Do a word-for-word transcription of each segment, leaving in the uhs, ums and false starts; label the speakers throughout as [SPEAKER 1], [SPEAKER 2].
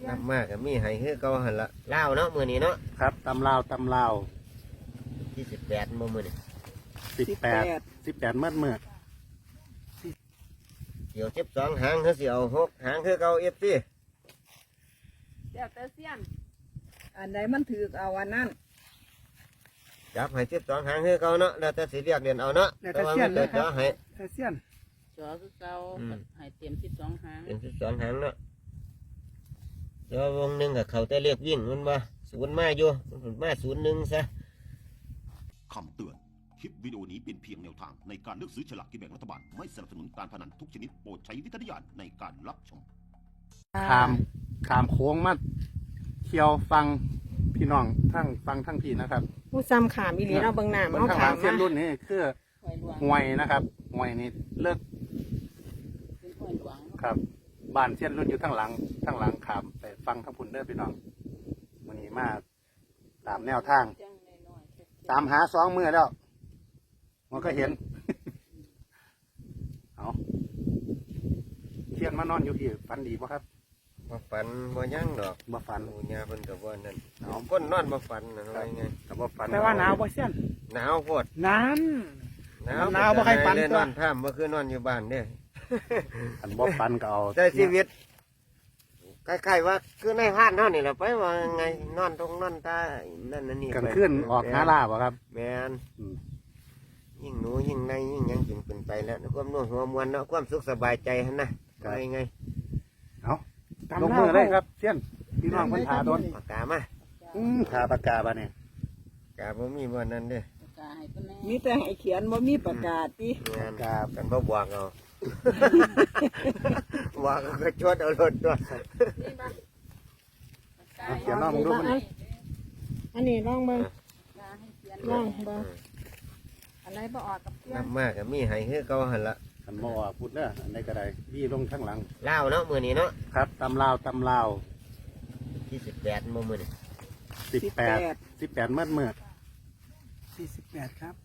[SPEAKER 1] น้ำมากมีให้คือเก่าหันละลาวเนาะมื้อนี้เนาะ
[SPEAKER 2] ครับตำลาวตำลาว
[SPEAKER 1] ที่สิบแปดมื้อมื้อนี้
[SPEAKER 2] สิบแปดสิบแปดเมื่อเมื่อ
[SPEAKER 1] เดี๋ยวสิบสองหางเขาสิเอาหกหางคือเก่าเอฟซี
[SPEAKER 3] เดี๋ยวเตอเซียน
[SPEAKER 4] อันใดมันถือเอาอันนั้น
[SPEAKER 1] จับให้สิบสองหางคือเก่าเนาะแล้วแต่สิเรียกเรียนเอาเนาะ
[SPEAKER 2] แต่เสี้ยนนะครับ
[SPEAKER 1] ให้
[SPEAKER 2] แต่เสี้ยน
[SPEAKER 3] จอคือเก่าให้เตรียมสิบสองหาง
[SPEAKER 1] เป็นสิบสองหางเนาะแล้ววงหนึ่งกับเขาแต่เรียกวิ่งมันว่าศูนย์มาอยู่มันมาศูนย์หนึ่งซะ
[SPEAKER 5] คำเตือนคลิปวิดีโอนี้เป็นเพียงแนวทางในการเลือกซื้อฉลากกินแบ่งรัฐบาลไม่สนับสนุนการพนันทุกชนิดโปรดใช้วิจารณญาณในการรับชม
[SPEAKER 2] ขามขามโค้งมาเที่ยวฟังพี่น้องทั้งฟังทั้งพี่นะครับ
[SPEAKER 4] ผู้ซ้ำขามอีหลีเราเบิ่งหน้า
[SPEAKER 2] เบิ่ง
[SPEAKER 4] เขา
[SPEAKER 2] ข้างห
[SPEAKER 4] ขา
[SPEAKER 2] ลั
[SPEAKER 4] ม
[SPEAKER 2] งเส้นรุ่นนี้คือห่วยนะครับห่วยนี่เลิกครับบ้านเส้นรุ่นอยู่ทั้งหลังทั้งหลังขามไปฟังทั้งพุ่นเด้อพี่น้องวันนี้มาตามแนวทางตามหาสองมือแล้วมันก็เห็นเอาเทียนมานอนอยู่พี่ฝันดีป่ะครับ
[SPEAKER 1] บ่ฝันบ่ยั่งดอก
[SPEAKER 2] บ่ฝัน
[SPEAKER 1] อุญญาเพิ่นกับว่านั่นเอาคนนอนบ่ฝันนะว่าไง
[SPEAKER 2] กับบ่ฝัน
[SPEAKER 4] แต่ว่าหนาวบ่เสี้ยน
[SPEAKER 1] หนาวโพด
[SPEAKER 4] นั้น
[SPEAKER 1] หนาว
[SPEAKER 4] หนาวบ่ใครฝัน
[SPEAKER 1] นอนท่ามบ่คือนอนอยู่บ้านเด้
[SPEAKER 2] อันบ่ฝันก็เอา
[SPEAKER 1] ใช้ชีวิตใกล้ๆว่าคือในห้านเท่านี่แหละไปว่าไงนอนตรงนอนตานั่นนั่นนี่
[SPEAKER 2] กลางคืนออกหาล่าบ่ครับ
[SPEAKER 1] แมนยิ่งหนูยิ่งในยิ่งยังกินเป็นไปแล้วความนุ่มหัวมวนเนาะความสุขสบายใจฮะนะไปไง
[SPEAKER 2] เอาลงมือเลยครับเช่นพี่น้องคนถาโดน
[SPEAKER 1] ปากกามา
[SPEAKER 2] ถาปากกาบ้าเนี่ย
[SPEAKER 1] กาบ่มีบ่นั่นเด้
[SPEAKER 4] มีแต่ให้เขียนบ่มีประกาศติ
[SPEAKER 1] งานกากันบ่บวกเอาว่าก็ชดเอารถตัว
[SPEAKER 2] เขียนน้องมึงดูมัน
[SPEAKER 4] อันนี้ลองเบิ่งลองเบิ่งอะไรบ่ออกกับเพื่อน
[SPEAKER 1] น้ำมากมีให้คือเก่าหันละ
[SPEAKER 2] ขันบ่อพูดเด้ออันใดก็ได้บี้ลงข้างหลัง
[SPEAKER 1] ลาวเนาะมื้อนี้เนาะ
[SPEAKER 2] ครับตำลาวตำลาว
[SPEAKER 1] ที่สิบแปดมื้อมื้อนี้
[SPEAKER 2] สิบแปดสิบแปดเมื่อเมื่อ
[SPEAKER 4] สี่สิบแปดครับ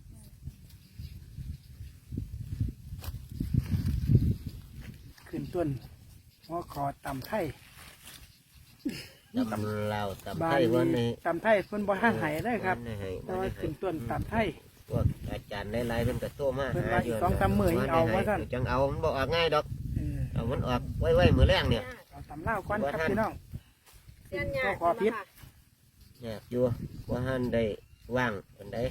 [SPEAKER 4] ขึ้นต้นหัวคอตำไทย
[SPEAKER 1] ตำลาวตำไทยวันนี้
[SPEAKER 4] ตำไทยเพิ่นบ่ทันให้ได้ครับแต่ว่าขึ้นต้นตำไทย
[SPEAKER 1] พวกอาจารย์หลายๆเพิ่นก็โตมาหาอยู่
[SPEAKER 4] สองสามมื้อเอาว่าซั่น
[SPEAKER 1] จังเอามันบ่ออกง่ายดอกเอามันออกไว้ๆมื้อแรงเนี่ย
[SPEAKER 4] เอาตำลาวก่อนครับพี่น้อง
[SPEAKER 3] ก็ขอพิษ
[SPEAKER 1] เนี่ยอยู่ว่าหันได้ว่างปานใด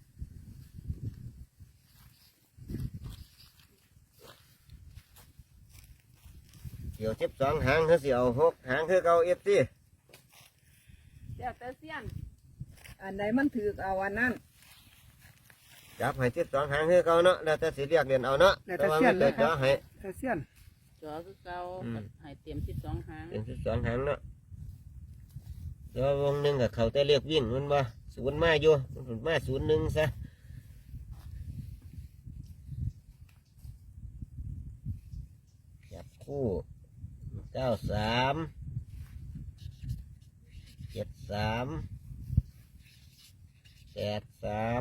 [SPEAKER 1] เดี๋ยวสิบสองหางเขาสิเอาหกหางคือเก่าเอฟซี
[SPEAKER 3] เดี๋ยวเตอเซียน
[SPEAKER 4] อันใดมันถือเอาอันนั้น
[SPEAKER 1] จับให้สิบสองหางคือเก่าเนาะแล้วแต่สิเรียกเรียนเอาเนาะ
[SPEAKER 4] แต่เสี้ยนเลยครับแต่เสี้ยน
[SPEAKER 3] จอคือเก่าให้เตรียมสิบสองหาง
[SPEAKER 1] เป็นสิบสองหางเนาะแล้ววงหนึ่งกับเขาแต่เรียกวิ่งมันว่าศูนย์มาอยู่มันมาศูนย์หนึ่งซะจับคู่เก้าสามเจ็ดสามแปดสาม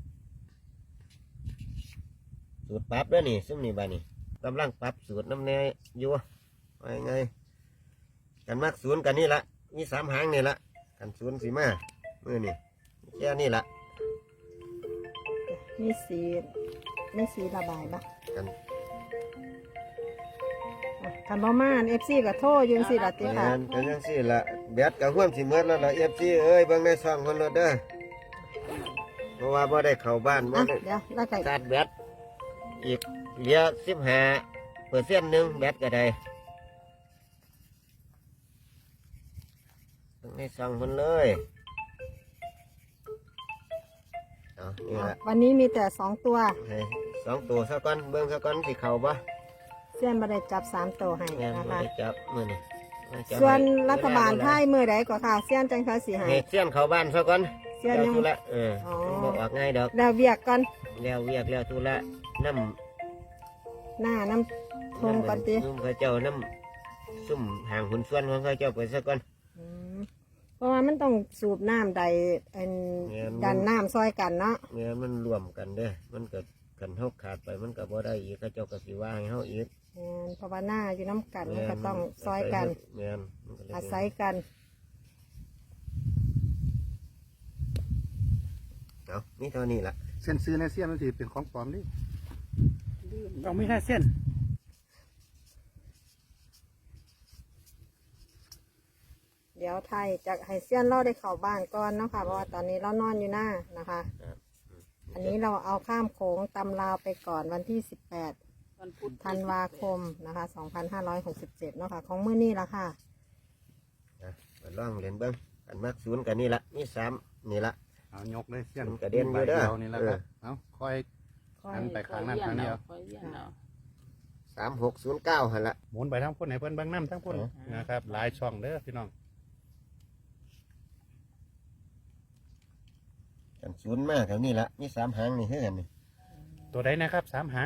[SPEAKER 1] สูตรปรับด้วยนี่ซึ่งนี่บ้านี่กำลังปรับสูตรน้ำแน่อยู่ว่าไงกันมากศูนย์กันนี่ละมีสามหางนี่ละกันศูนย์สีมาเมื่อนี่แค่นี่ละ
[SPEAKER 4] มีสีมีสีระบายปะกันกันบ่มาเอฟซีกับโทษยืนสีละติค่ะ
[SPEAKER 1] กันยังสีละแบดกับห่วมสีเมื่อแล้วละเอฟซีเอ้ยเบิ่งในซองคนรถเด้อเพราะว่าบ่ได้เข้าบ้านบ่ได้
[SPEAKER 4] เดี๋ยวแล้วไก่
[SPEAKER 1] ตัดแบดอีกเหลือสิบห้าเปอร์เซ็นต์หนึ่งแบตก็ได้ให้สั่งมันเลยเอานี่ละ
[SPEAKER 4] วันนี้มีแต่สองตัว
[SPEAKER 1] สองตัวสักก้อนเบิ้งสักก้อนสิเข่าปะ
[SPEAKER 4] เส้นมาได้จับสามตัวให้นะคะ
[SPEAKER 1] จับมือนี่
[SPEAKER 4] ส่วนรัฐบาลไทยมือใดก็ค่ะเส้นจังค่ะสีหาย
[SPEAKER 1] เส้นเข่าบ้านสักก้อน
[SPEAKER 4] เส้นยัง
[SPEAKER 1] ละเออบอกออกง่ายดอก
[SPEAKER 4] แล้วเวียกก่อน
[SPEAKER 1] แล้วเวียกแล้วทุละน้ำ
[SPEAKER 4] หน้าน้ำทงก่อนตี
[SPEAKER 1] นุ่มข้าเจ้าน้ำซุ่มห่างหุ่นส่วนของข้าเจ้าไปสักก้อน
[SPEAKER 4] เพราะว่ามันต้องสูบน้ำใดดันน้ำซอยกันเนาะ
[SPEAKER 1] เนี่ยมันรวมกันเด้มันเกิดกันเท่าขาดไปมันกับบ่ได้อีกข้าเจ้าก็สิว่าให้เฮาอีก
[SPEAKER 4] แม่นเพราะว่าหน้าอยู่น้ำกันมันก็ต้องซอยกัน
[SPEAKER 1] แม่นมันก็เลย
[SPEAKER 4] อาศัยกัน
[SPEAKER 1] เอานี่เท่านี้ละ
[SPEAKER 2] เส้นซื้อในเสี้ยนมันสิเป็นของปลอมดิ
[SPEAKER 3] ลืม
[SPEAKER 2] เราไม่ใช่เส้น
[SPEAKER 4] เดี๋ยวไทยจะให้เซียนเล่าได้เข้าบ้านก่อนเนาะค่ะเพราะว่าตอนนี้เรานอนอยู่หน้านะคะ อันนี้เราเอาข้ามโขงตำลาวไปก่อนวันที่สิบแปด
[SPEAKER 3] วันพุธ
[SPEAKER 4] ธันวาคมนะคะสองพันห้าร้อยหกสิบเจ็ดเนาะค่ะของมื้อนี้ละค่ะ
[SPEAKER 1] นะมาลองเรียนเบิ้งกันมักศูนย์กันนี่ละมีสามนี่ละ
[SPEAKER 2] เอายกเลยเสี้ยน
[SPEAKER 1] มันกระเด็นอยู่เด้อ
[SPEAKER 2] ใบนี่แหละครับเอาคอย หันไปข้างนั้นข้างเดียว
[SPEAKER 3] คอยเวียนเอา
[SPEAKER 1] สามหกศูนย์เก้าหันละ
[SPEAKER 2] หมุนไปทั้งพุ่นให้เพิ่นเบางน้ำทั้งพุ่น
[SPEAKER 1] อ๋อ
[SPEAKER 2] นะครับ หลายช่องเด้อพี่น้อง
[SPEAKER 1] กันศูนย์มากแถวนี้ละมีสามหางนี่เฮือนนี่
[SPEAKER 2] ตัวใดนะครับสามหาง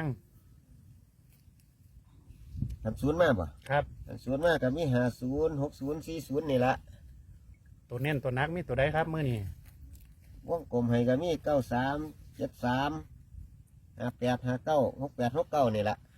[SPEAKER 1] กันศูนย์มากป่ะ
[SPEAKER 2] ครับ
[SPEAKER 1] กันศูนย์มากกับมีห้าศูนย์หกศูนย์สี่ศูนย์นี่ละ
[SPEAKER 2] ตัวเน้นตัวนักมีตัวใดครับมื้อนี้
[SPEAKER 1] วงกลมให้กับมีเก้าสามเจ็ดสามห้าแปดห้าเก้าหกแปดหกเก้านี่ละ